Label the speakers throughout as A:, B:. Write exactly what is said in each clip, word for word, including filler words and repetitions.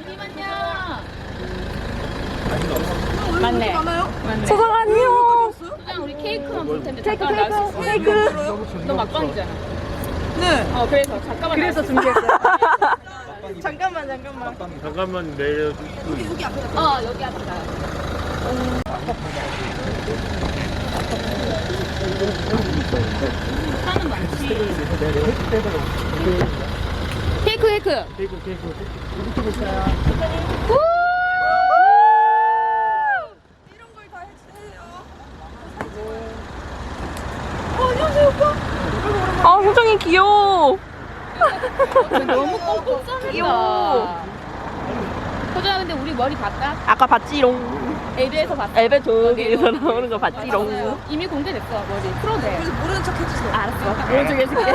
A: 맞네.
B: 많아요?
C: 소정 안녕.
A: 그냥 우리 케이크만 볼 텐데
C: 케이크,
A: 잠깐 나올 수 있어?
C: 케이크.
A: 너 막방이잖아.
B: 네.
A: 어 그래서 잠깐만.
C: 그래서
A: 나올 수 있어.
C: 준비했어요.
B: 잠깐만 잠깐만.
D: 잠깐만 내려.
B: 여기 여기 앞에 가.
A: 어 여기 앞에 가요. 사는 많지. 케이크 케이크.
D: 케이크 케이크.
B: 이런 걸 다 해주세요.
C: 아, 소정이 귀여워.
A: 너무 꽁꽁 싸는다.
C: 귀여워.
A: 소정아 근데 우리 머리 봤다?
C: 아까 봤지롱.
A: 엘비에서 봤어.
C: 엘베 저기에서 나오는 거 봤지롱.
A: 이미 공개됐어 머리. 풀어도 돼.
B: 그래서 모르는 척 해주세요.
C: 알았어. 오른쪽 해줄게.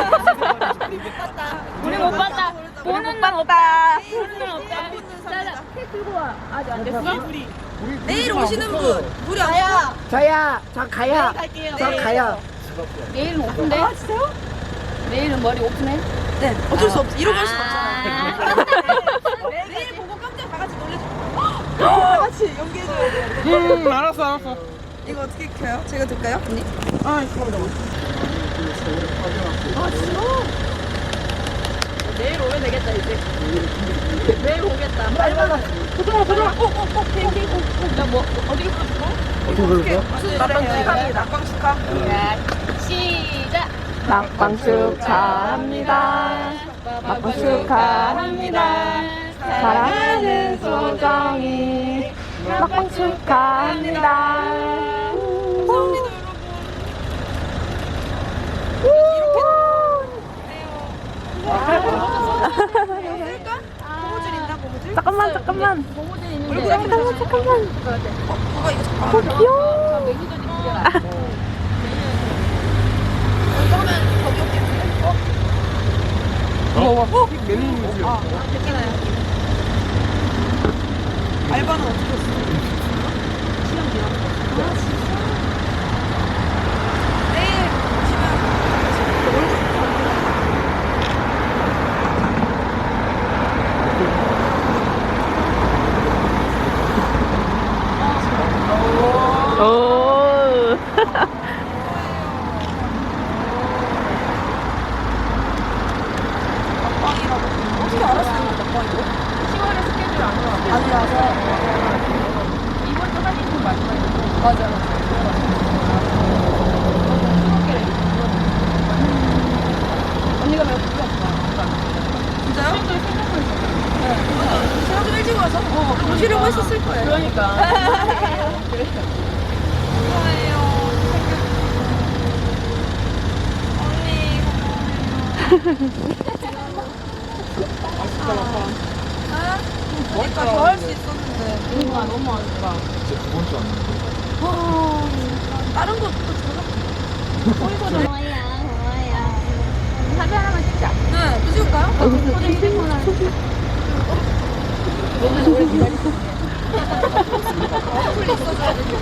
A: 우리 못 봤다. 보는 날
C: 없다.
A: 보는 날 없다. 자자 케이크 들고 와. 아직 안 됐어?
B: 내일 오시는 분 우리 안 와.
C: 저야, 저 가야. 저 가야.
A: 내일은 오픈돼? 아 진짜요? 내일은 머리 오픈해?
B: 네. 어쩔 수 없어. 이러고 할 수는 없잖아요.
A: 없잖아.
B: 내일 보고 깜짝 다 같이 놀래줘. 다 같이 연기해줘야 돼요.
D: 음 알았어 알았어.
B: 이거 어떻게 켜요? 제가 들까요? 언니?
D: 아 잠깐만.
B: 아 진짜?
C: 내일 오면 되겠다, 이제. 내일 오겠다. 빨리 받아.
B: 보정아 보정아. 어어어 케이크.
A: 나뭐 어디로 갔어?
D: 어떻게 그럴까?
B: 무슨 낙방 축하합니다. 낙방 축하.
A: 시작.
C: 막방 축하합니다. 막방 축하합니다. 사랑하는 소정이 막방 축하합니다.
B: 감사합니다 여러분. 쓸까? 고무줄 있나 고무줄?
C: 잠깐만, 잠깐만.
A: 고무줄 있는데.
B: 얼굴
C: 잠깐만, 잠깐만.
B: 어, 누가 이거 잠깐.
C: 어, 귀여워.
A: 매니저 좀 그려라.
B: 그러면 거기 올게.
D: 어? 어? 메뉴
B: 아, 괜찮아요. 알바는 어떻게 했어? 시험 기간. 아, 진짜? 내일 오시면 얼굴
C: 오.
B: 막방이라고. 어떻게 알았어요, 막방이고?
A: 시월에 스케줄 안 와.
B: 아니라서.
A: 이번 주 사진 좀 마지막에.
B: 맞아, 맞아.
A: 언니가 몇 분이 없어.
B: 진짜요?
A: 또 생각하고 있어.
B: 맞아. 제가 좀 일찍 와서 어, 오시려고 했었을 거예요.
A: 그러니까.
B: 좋아해요. 아? 그러니까 더 할 수 있었는데.
A: 그러니까 너무 아쉽다.
D: 진짜 두 번째 왔는데.
B: 아, 다른 것도 들어가.
A: 고마워요. 고마워요. 사진 하나만 찍자.
B: 네, 또 찍을까요?
A: 소중히 생각나. 너무 오래 기다리셨네.
B: 어플이 있어줘야 돼.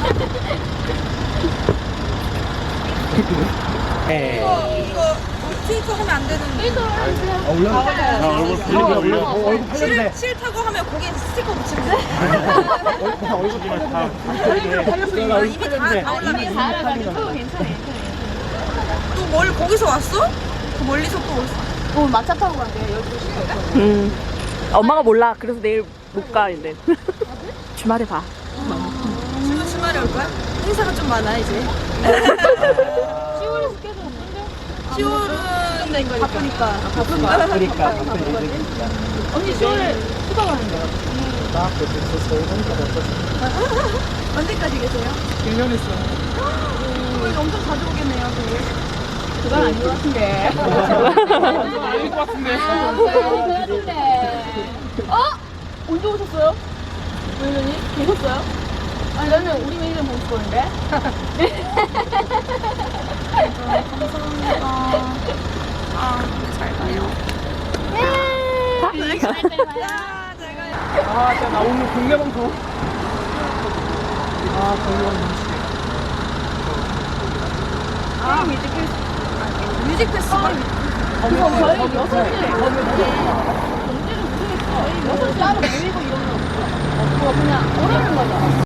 B: 이거, 이거 트위터 하면 안 되는데.
D: 아 올려? 아 얼굴 올려 올려. 어, 얼굴 팔려도
B: 싫,
D: 돼.
B: 싫다고 하면 거기에 스티커 붙이면 돼.
D: 얼굴 얼굴이만 다 팔려도
B: 아, 이미 다, 다 올라가
A: 이미
B: 있어.
A: 다 알아가지고 괜찮아.
B: 또 멀리 거기서 왔어? 그 멀리서 또 왔어.
A: 어, 마차 타고 간대. 열두 시에.
C: 음. 엄마가 몰라. 그래서 내일 못 가, 이제. 주말에 봐.
B: 지금 주말에 올 거야? 행사가 좀 많아 이제.
A: 시월에 스케줄 없는데?
B: 시월은 된 거니까. 바쁘니까.
A: 바쁜가?
D: 그러니까
A: 언니 시월에 휴가 가는데요?
B: 언제까지 계세요?
D: 일 년 했어.
B: 이거 엄청 자주 오겠네요, 되게.
A: 그건 아닌 것 같은데.
D: 아닐 것 같은데.
A: 아, 그건 아닌 것 같은데. 어? 언제 오셨어요? 매니저님? 계셨어요? 아니, 나는 우리 매니저 보고 싶었는데.
B: 감사합니다. 아, 잘 가요.
A: 네. 잘 가요.
B: 야, 잘 가요.
D: 아 진짜 나 오늘 국내 방송. 아 국내 방송.
B: 아, 뮤직 페스티벌. 뮤직 페스티벌.
A: 그거 저희 여섯 시에 경제를 못하겠어. 저희 여섯 시 안에 모이고 이러면 오라는 거죠.